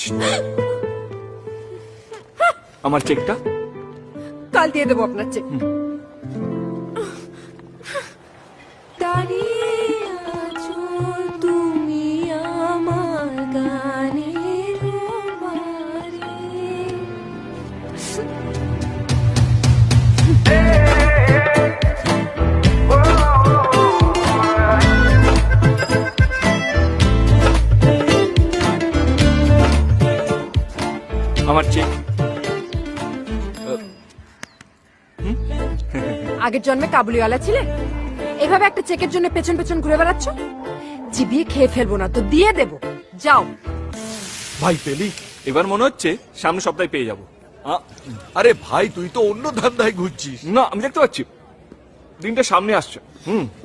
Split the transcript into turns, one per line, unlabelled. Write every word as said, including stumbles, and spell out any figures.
আমার চেকটা
কাল দিয়ে দেবো আপনার চেক।
দাঁড়িয়ে আছো তুমি আমার গানের বারে।
আমার চেক।
আগের জন্মে কাবুলিওয়ালা ছিলে, এভাবে একটা চেকের জন্য পেছন পেছন ঘুরে বেড়াচ্ছ। চিবিয়ে খেয়ে ফেলবো না তো দিয়ে দেবো, যাও।
ভাই পেলি? এবার মনে হচ্ছে সামনের সপ্তাহে পেয়ে যাবো। আ-
আরে ভাই তুই তো অন্য ধান্দায় ঘুরছিস।
না, আমি দেখতে পাচ্ছি দিনটা সামনে আসছে। হুম